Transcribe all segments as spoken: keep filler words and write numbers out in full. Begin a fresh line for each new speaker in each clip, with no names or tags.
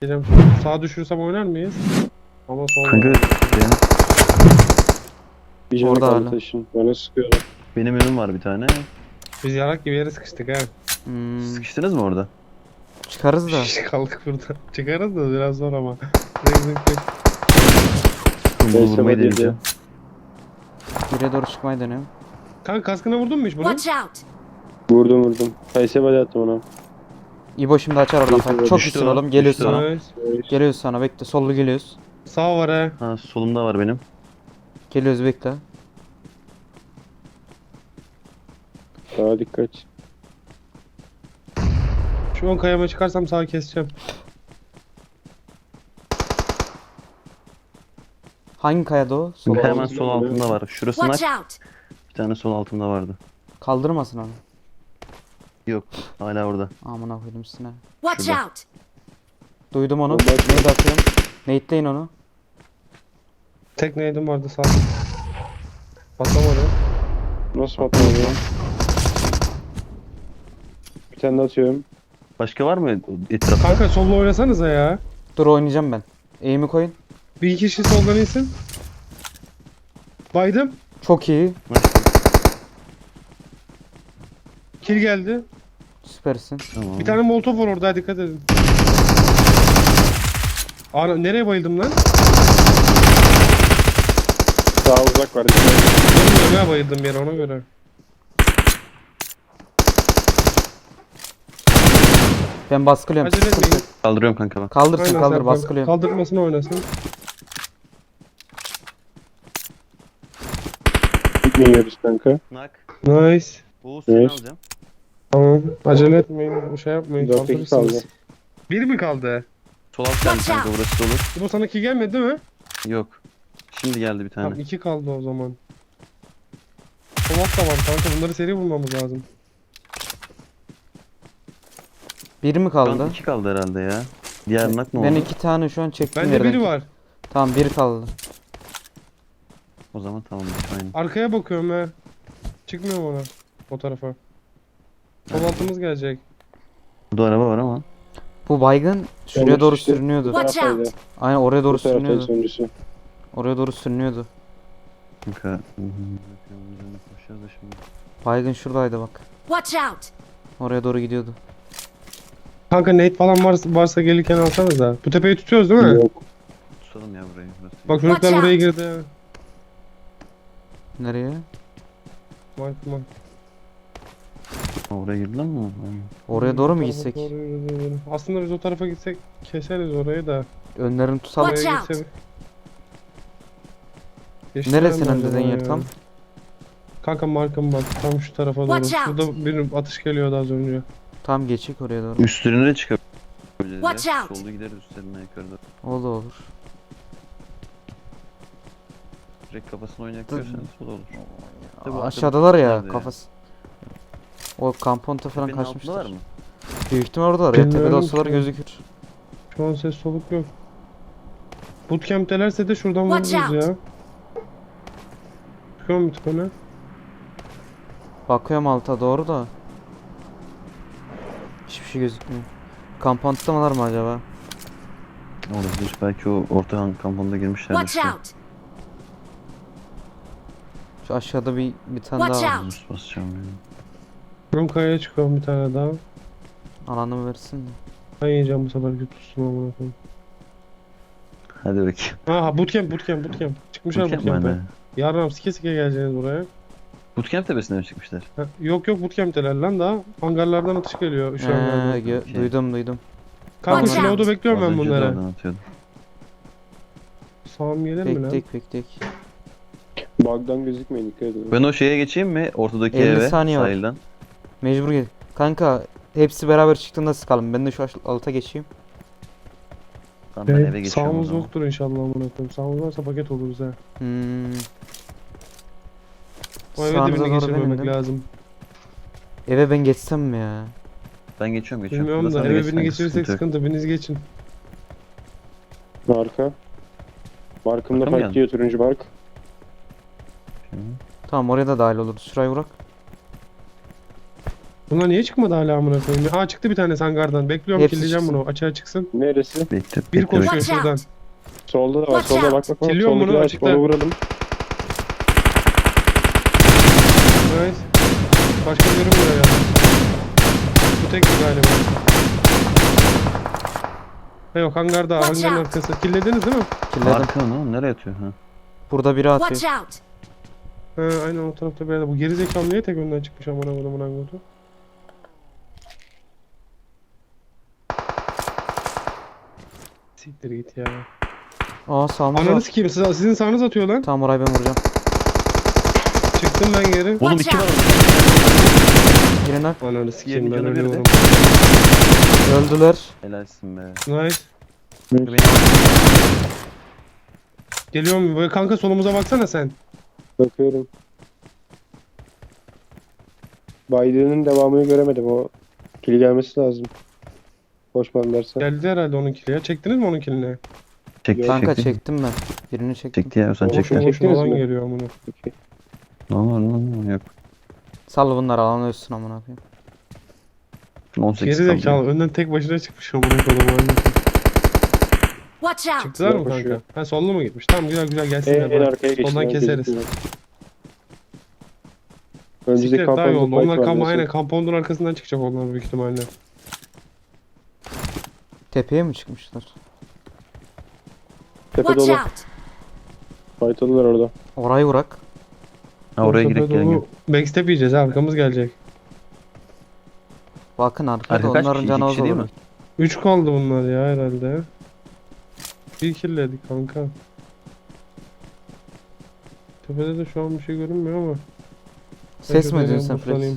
Geleceğim. Sağa düşürsem oynar mıyız? Ama sol
Kanka
var.
benim,
Bir canı
Orada
kaldı
hala.
taşın. Bana sıkıyorlar.
benim önüm var bir tane.
Biz yarak gibi yere sıkıştık ha.
Hmm,
Sıkıştınız mı orada?
çıkarız da.
Kaldık burada. Çıkarız da biraz zor ama. Zık zık zık.
Bunu
Neyse,
vurmayı
hadi
deneyeceğim.
Geriye doğru çıkmayı deniyorum.
Kanka kaskına vurdun mu hiç bunu?
Watch out!
Vurdum vurdum. Kayse body attım ona.
İbo şimdi açar oradan.
Düştü,
Çok
düştü
iyisin
o,
oğlum. Geliyoruz
düştü o.
sana.
Nice.
Geliyoruz sana. Bekle. Sollu geliyoruz.
Sağ var ha.
Ha solumda var benim.
Geliyoruz bekle.
Daha dikkat.
Şu an kayama çıkarsam sağa keseceğim.
Hangi kayada o? Sol.
Ben-
Hemen sol altında var. Şurası nak.
Watch out!
Bir tane sol altında vardı.
Kaldırmasın onu.
Yok. Hala orada.
Amına koydum üstüne.
Watch
Şurada.
out!
Duydum onu.
Orada-
Neydi atıyorum. Nate'leyin onu.
Tek neydim vardı sağ. Patlamadı.
Nasıl patlamadı ya? Bir tane de atıyorum.
Başka var mı etrafta?
Kanka solla oynasanıza ya.
Dur oynayacağım ben. Aim'i koyun.
Bir iki kişi soldan insin. Baydım.
Çok iyi.
Kill geldi.
Süpersin.
Tamam.
Bir tane molotof var orada dikkat edin. Ana nereye bayıldım lan?
Daha uzak var.
Bilmiyorum ya bayıldım bir yere ona göre.
Ben baskılıyorum.
Acele etmeyin.
Kaldırıyorum kanka bak.
Kaldırsın
Aynen
kaldır
Serkan.
baskılıyorum.
Kaldırmasını oynasın.
Gitmiyoruz kanka.
Nak.
Nice.
Bu seni
Evet.
alacağım.
Tamam. Acele etmeyin. Bu şey yapmayın.
Dört dakika
Kaldırırsınız.
kaldı.
Bir mi kaldı?
Sol alt geldi kanka, burası olur.
Bu sana ki gelmedi değil mi?
Yok. Şimdi geldi bir tane.
Tamam iki kaldı o zaman. Polat da var kanka. Bunları seri vurmamız lazım.
Biri mi
Şu an
kaldı?
iki kaldı herhalde ya. Diğer nak ne oldu?
Ben iki tane şu an çektim
Bende
yerden.
biri var.
Tamam biri kaldı.
O zaman tamam. Aynı.
Arkaya bakıyorum he. Çıkmıyor mu ona? O tarafa. Sol altımız gelecek.
Burada araba var ama.
Bu baygın şuraya
Yanlış
doğru
işte.
sürünüyordu.
Watch out!
Taraftaydı.
Aynen oraya doğru
Bu taraftaydı
sürünüyordu.
sonuncusu.
Oraya doğru sürünüyordu.
Kanka. hı hı, koşacağız da şimdi.
Baygın şuradaydı bak.
Watch out!
Oraya doğru gidiyordu.
Kanka nade falan varsa, varsa gelirken alsanız da. Bu tepeyi tutuyoruz değil mi?
Yok.
Tutalım ya burayı. Burası.
Bak çocuklar
Watch
buraya
out.
girdi.
Nereye?
Mark mark.
Ha, oraya girdiler mi? Aynen.
Oraya doğru mu
Tarafa
gitsek?
doğru yürü, yürü. Aslında biz o tarafa gitsek keseriz orayı da.
Önlerini tutalım.
Watch
Oraya
out.
gitsek- Geçtiler
Neresinin
mi
dediğin
acaba
yer
ya?
tam?
Kanka markam bak tam şu tarafa doğru.
Watch out.
Şurada bir atış geliyordu az önce.
Tam geçik oraya doğru.
Üstlerine de çıkabiliriz
Watch
ya.
out.
Solda gideriz üstlerine yukarıda.
O da olur.
Direkt kafasına oynayabiliyorsanız o da olur. Tabii
Aa,
o
aşağıdalar ya
nerede ya?
kafası. O kamponta falan
Tepenin
kaçmışlar.
altındalar mı?
Büyük ihtimal oradalar ya. Tepede
Bilmiyorum
olsalar
ki.
gözükür.
Şu an ses soluk yok. Bootcamp'telerse de şuradan
Watch
vururuz
out.
ya. Çıkıyor mu tıkanı?
Bakıyorum alta doğru da. Hiçbir şey gözükmüyor. Kampontta mılar mı acaba?
Olabilir. Belki o orta han- kamponda girmişlerdir.
Watch
şu an.
out!
Şu aşağıda bir bir tane
Watch
daha var.
out.
Boost basacağım yani.
Ben kayaya çıkıyorum bir tane daha.
Alanımı versin de.
Ben yiyeceğim bu sefer tutsun amına koyayım.
Hadi bakayım.
Aha bootcamp bootcamp bootcamp. Çıkmışlar
Bootcamp
bootcamp'e.
mi?
Yarın sike sike geleceğiniz buraya.
Bootcamp tepesine mi çıkmışlar?
Ha, yok yok bootcamp'teler lan daha. Hangarlardan atış geliyor şu
Ee,
hangardan.
gö-
Okey.
duydum duydum.
Kanka
Watch
slow'da
out.
bekliyorum
Az
ben
önce de
bunları.
oradan atıyordum.
Sağım gelir mi lan?
Bektek bektek.
Bug'dan gözükmeyin dikkat edin.
Ben o şeye geçeyim mi? Ortadaki
elli
eve
saniye var.
sahilden.
Mecbur gel. Kanka hepsi beraber çıktığında sıkalım. Ben de şu aş- alta geçeyim.
Tamam ben
Evet,
eve geçiyorum o
sağımız
zaman.
yoktur inşallah amına koyayım. Sağımız varsa paket oluruz ha.
Hmm.
O eve
Sağınıza
dibine
doğru
geçirmemek
benim de.
lazım.
Eve ben geçsem mi ya?
Ben geçiyorum geçiyorum.
Bilmiyorum
Burada
da
sen de
eve
geç
birini
kanka,
geçirirsek
sıkıntı yok.
sıkıntı. Biriniz geçin.
Marka. Markımda
Marka mı
fight diyor turuncu mark.
Tamam oraya da dahil oluruz. Şurayı bırak.
Bunlar niye çıkmadı hala amına koyayım? Aa çıktı bir tane hangardan. Bekliyorum
Hepsi
killeyeceğim
çıksın.
bunu. Açığa çıksın.
Neresi?
Bekle.
Bir
bekle,
koşuyor
bekle.
Watch
şuradan.
out.
Solda da var.
Watch
Solda bak
out.
bak bak.
Killiyorum bunu,
Soldakini aç,
açıkta.
onu vuralım.
Evet. Başka görünmüyor ya. Bu tek galiba. Ha yok hangarda.
Watch
Hangarın
out.
arkası. Killediniz değil mi?
Killedim.
Arka lan nereye atıyor? Ha.
Burada biri atıyor.
Watch out.
Ha aynen o tarafta bir yerde. Bu geri zekalı niye tek önden çıkmış amına koyduğumun angotu? Siktir git ya.
Aa sağımız
Ananı
var.
sikeyim. Siz, sizin sağınız atıyor lan.
Tamam orayı ben vuracağım.
Çıktım ben geri.
Oğlum
Watch
iki var
out.
orada.
Birine
Ananı sikeyim ben
Diğerinin canı
ölüyorum.
öldüler.
Helalsin be.
Nice.
Beni
Geliyorum. Böyle kanka solumuza baksana sen.
Bakıyorum. Biden'ın devamını göremedim. O kill gelmesi lazım. Koşmadılarsa.
Geldi herhalde onun kili ya. Çektiniz mi onun kilini?
çekti
Kanka
çekti.
çektim ben. Birini çektim.
Çekti ya sen
Boşu
çekti.
Çek-
boşuna
Çektiniz
olan
mi?
geliyor amına.
Peki.
Ne var lan yok.
Sal bunları alan ölsün amına koyayım.
on sekiz
Geri
kaldı.
zekalı. Önden tek başına çıkmış amına koyduğum.
Watch out.
Çıktılar mı
Yok,
kanka?
koşuyor.
Ha sollu mu gitmiş? Tamam güzel güzel
En,
gelsinler.
en
bak.
arkaya geçti.
Ondan keseriz.
Önceki
Siktir daha iyi oldu.
kampanya
Onlar kam
var
aynen
diyorsun.
kampondun arkasından çıkacak onlar büyük ihtimalle.
Tepeye mi çıkmışlar?
Tepede
Watch
dolu.
out.
Faytalılar orada.
Orayı vurak.
Ha oraya
Tepe
girek gelin
dolu.
gel.
Backstep yiyeceğiz ha, arkamız gelecek.
Bakın arkada
Arka kaç
onların
kişi?
canı
İki
az
kişi değil
olur.
mi?
üç kaldı bunlar ya herhalde. Bir killedik kanka. Tepede de şu an bir şey görünmüyor ama.
Ses mi
Tepede
duydun sen Flex?
buslanayım.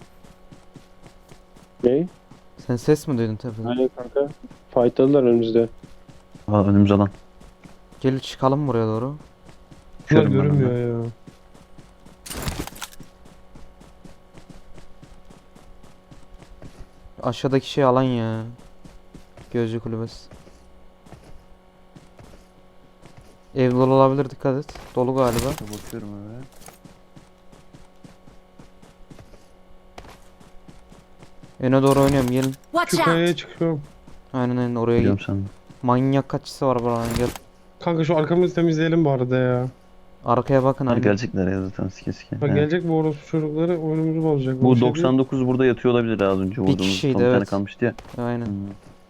Ne?
Sen ses mi duydun tepede?
Aynen kanka. Faytalılar önümüzde.
Aa önümüz alan.
Gel çıkalım buraya doğru.
Bunlar
Düşüyorum ben
görünmüyor
ondan.
ya.
Aşağıdaki şey alan ya. Gözcü kulübesi. Ev dolu olabilir, dikkat et. Dolu galiba.
Bakıyorum öyle.
Öne doğru oynayalım gelin.
Watch
Şu kayaya
out.
çıkıyorum.
Aynen aynen oraya
Biliyorum
git.
sen.
Manyak kaçısı var buranın, gel.
Kanka şu arkamızı temizleyelim bu arada ya.
Arkaya bakın
Hadi
hani.
gelecekler ya zaten sike sike.
Bak
He.
gelecek bu orospu çocukları oyunumuzu bozacak.
Bu
Bir şey değil.
doksan dokuz burada yatıyor olabilir az önce vurduğumuz.
kişiydi,
Son bir tane
evet.
kalmıştı ya.
Aynen.
Hmm.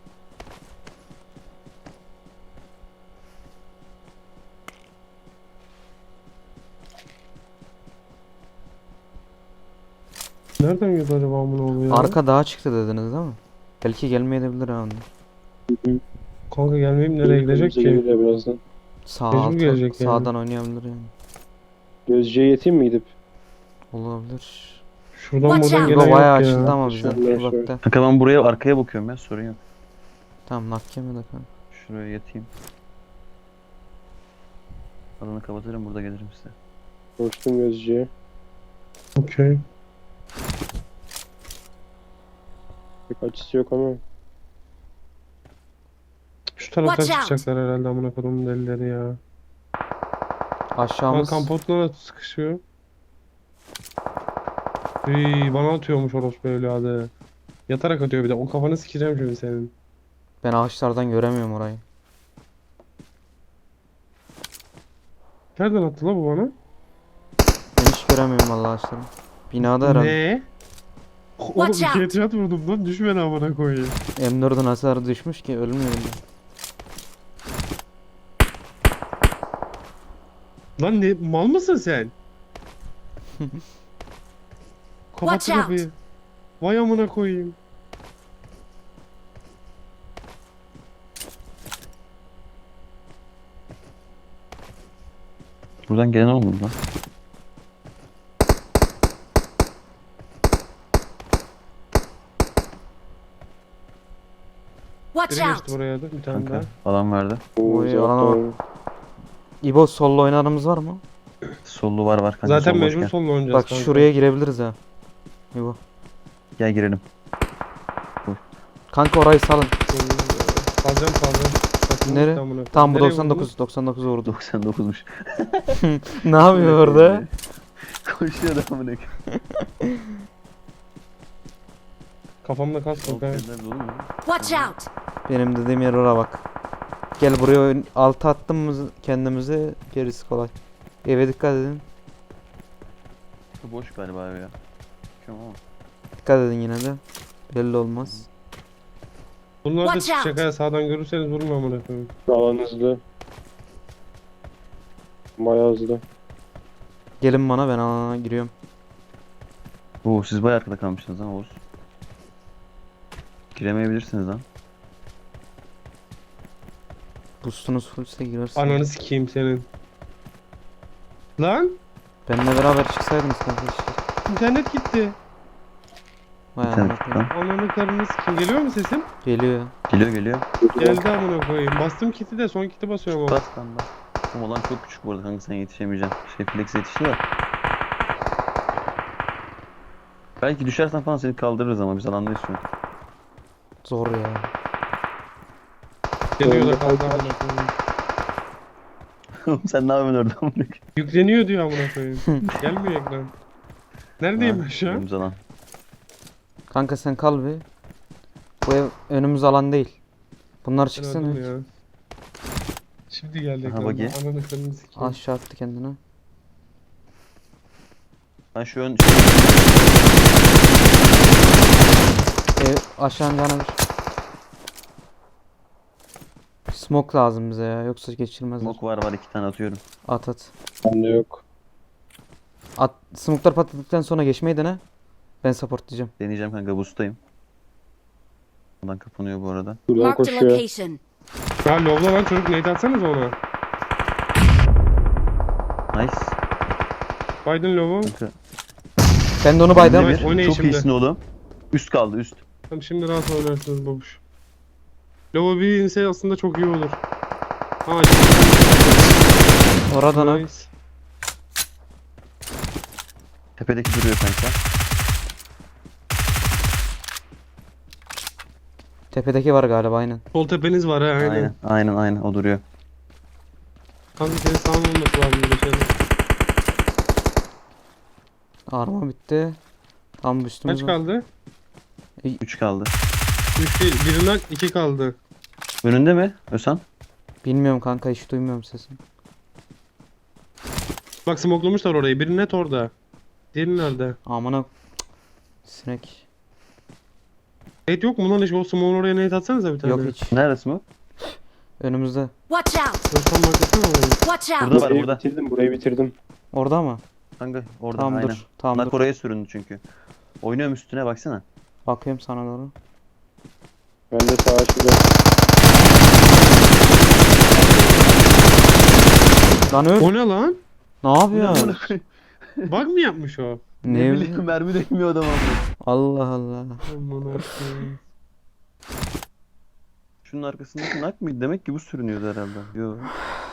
Nereden geldi acaba amına oluyor?
Arka dağa çıktı dediniz değil mi? Belki gelmeyebilir ha onlar.
Kanka gelmeyip nereye gidecek
Önümüze
ki?
gelirler birazdan.
Sağ
Mecbur
alta,
gelecek yani.
sağdan oynayabilir yani.
Gözcüye yeteyim mi gidip?
Olabilir.
Şuradan
Watch
buradan
out.
gelen
Bu bayağı
yok
açıldı
ya.
ama bizden.
Şöyle, şöyle.
Uzakta.
Kanka ben buraya arkaya bakıyorum ya sorun yok.
Tamam nakke mi de kanka.
Şuraya yatayım. Alanı kapatırım burada gelirim size.
Koştum gözcüye.
Okey.
Pek açısı yok ama.
Şu taraftan
Watch out.
çıkacaklar herhalde amına kodumun delileri ya. Bak
Aşağımız.
kampotlara sıkışıyor. Üy, bana atıyormuş orospu evladı. Yatarak atıyor bir de. O kafanı sikeceğim şimdi senin.
Ben ağaçlardan göremiyorum orayı.
Nereden attı la bu bana?
Ben hiç göremiyorum vallahi ağaçları. Binada herhalde.
Ne? Oğlum
Watch
iki
out.
headshot vurdum lan, düşme lan amına koyayım.
M dördün hasarı düşmüş ki ölmüyorum ben.
Lan ne mal mısın sen? Kapat
Watch
şu
out.
kapıyı. Vay amına koyayım.
Buradan gelen olmadı lan.
Watch
Biri
out.
geçti buraya da bir tane
Kanka
daha.
alan verdi.
Oy,
Uzaktan
alana bak.
oynuyor.
İbo sollu oynarımız var mı?
Sollu var var kanka.
Zaten
sol boş
mecbur
gel.
sonla oynayacağız
Bak
kanka.
şuraya girebiliriz ha. İbo.
Gel girelim.
Kanka orayı salın.
Salacağım salacağım. Saçma
Nere?
gitti amına koyayım.
Tam bu
Nereye
doksan dokuz.
vurdun?
doksan dokuz vurdu.
doksan dokuzmuş.
Ne yapıyor orada?
Koşuyor da amına koyayım.
Kafamda kas
Soğuk
yok ha.
yerler dolu mu?
Watch out!
Benim dediğim yer oraya bak. Gel buraya ön- altı attığımız kendimize gerisi kolay. Eve dikkat edin.
Bu boş galiba ev ya. Şu ama.
Dikkat edin yine de. Belli olmaz.
Bunlar da
Watch
çıkacak
out.
ha. Sağdan görürseniz vurma amına koyayım.
Alan hızlı. Bayağı hızlı.
Gelin bana, ben alana giriyorum.
Oo siz bayağı arkada kalmışsınız ha Oğuz. Giremeyebilirsiniz lan.
Boostunuz fullse girersin.
Ananı sikeyim senin. Lan
Benimle beraber çıksaydınız kardeşler.
internet gitti.
Vay
Sen
amına koyayım.
lan.
Ananı karını sikeyim. Geliyor mu sesim?
Geliyor ya.
Geliyor geliyor.
Geldi amına koyayım. Bastım kiti de son kiti basıyorum ama.
Bas lan bas. Oğlum olan çok küçük bu arada kanka, sen yetişemeyeceksin. Şey flex yetişti de. Belki düşersen falan seni kaldırırız ama biz alandayız şu an.
Zor ya.
Geliyor da
Önde
kaldı
kaldı.
amına koyayım.
Oğlum sen ne yapıyorsun orada amına koyayım?
Yükleniyor diyor amına koyayım. Gelmiyor ekran. Neredeyim ben şu an?
Önümüz alan.
Kanka sen kal bir. Bu ev önümüz alan değil. Bunlar
Ben
çıksın.
öldüm ya. Şimdi geldi
Aha,
ekran.
bak ya.
Ananı karını sikeyim.
Aşağı attı kendini.
Ben şu ön...
Ev aşağı cana bir. Smoke lazım bize ya, yoksa geçirmezler.
Smoke var var, iki tane atıyorum.
At at.
Bende yok.
At. Smoke'lar patladıktan sonra geçmeyi dene. Ben support diyeceğim.
Deneyeceğim kanka, boost'tayım. Buradan kapanıyor bu arada.
Buradan
Marked a
koşuyor.
location.
Ya lobla lan çocuk neydi atsanız ona.
Nice.
Biden lobo.
Kanka.
Ben de onu baydım.
Nice.
Bir,
oynayın
çok
şimdi.
iyisin oğlum. Üst kaldı üst.
Tamam şimdi rahat oynarsınız babuş. Lobo bir inse aslında çok iyi olur. Ha
Oradan ha.
nice.
Tepedeki duruyor kanka.
Tepedeki var galiba, aynen.
Sol tepeniz var ha aynen.
Aynen aynen aynen o duruyor.
Kanka senin sağın olması lazım böyle şeyler.
Arma bitti. Tam üstümüz
Kaç
var.
kaldı?
üç kaldı.
üç değil. Birinden iki kaldı.
Önünde mi Özhan?
Bilmiyorum kanka, hiç duymuyorum sesini.
Bak smokelamışlar orayı. Biri net orada. Diğeri nerede?
Amına. Sinek.
Evet yok mu lan hiç? O smoke'un oraya net atsanıza bir tane.
Yok hiç.
Neresi bu?
Önümüzde.
Watch out!
Özkan bakasana orayı.
Watch out!
Burada var
Burayı
burada.
bitirdim, burayı bitirdim.
Orada mı?
Kanka orada
Tamam
aynen.
dur. Tamam
Bunlar
dur.
oraya süründü çünkü. Oynuyorum üstüne baksana.
Bakıyorum sana doğru.
Ben de sağa açacağım.
Lan öl.
O ne lan?
Ne yapıyor?
Bug mı yapmış o?
Ne?
bileyim, mermi değmiyor adam ama.
Allah Allah.
Aman Allah'ım.
Şunun arkasındaki nak mıydı? Demek ki bu sürünüyordu herhalde. Yo.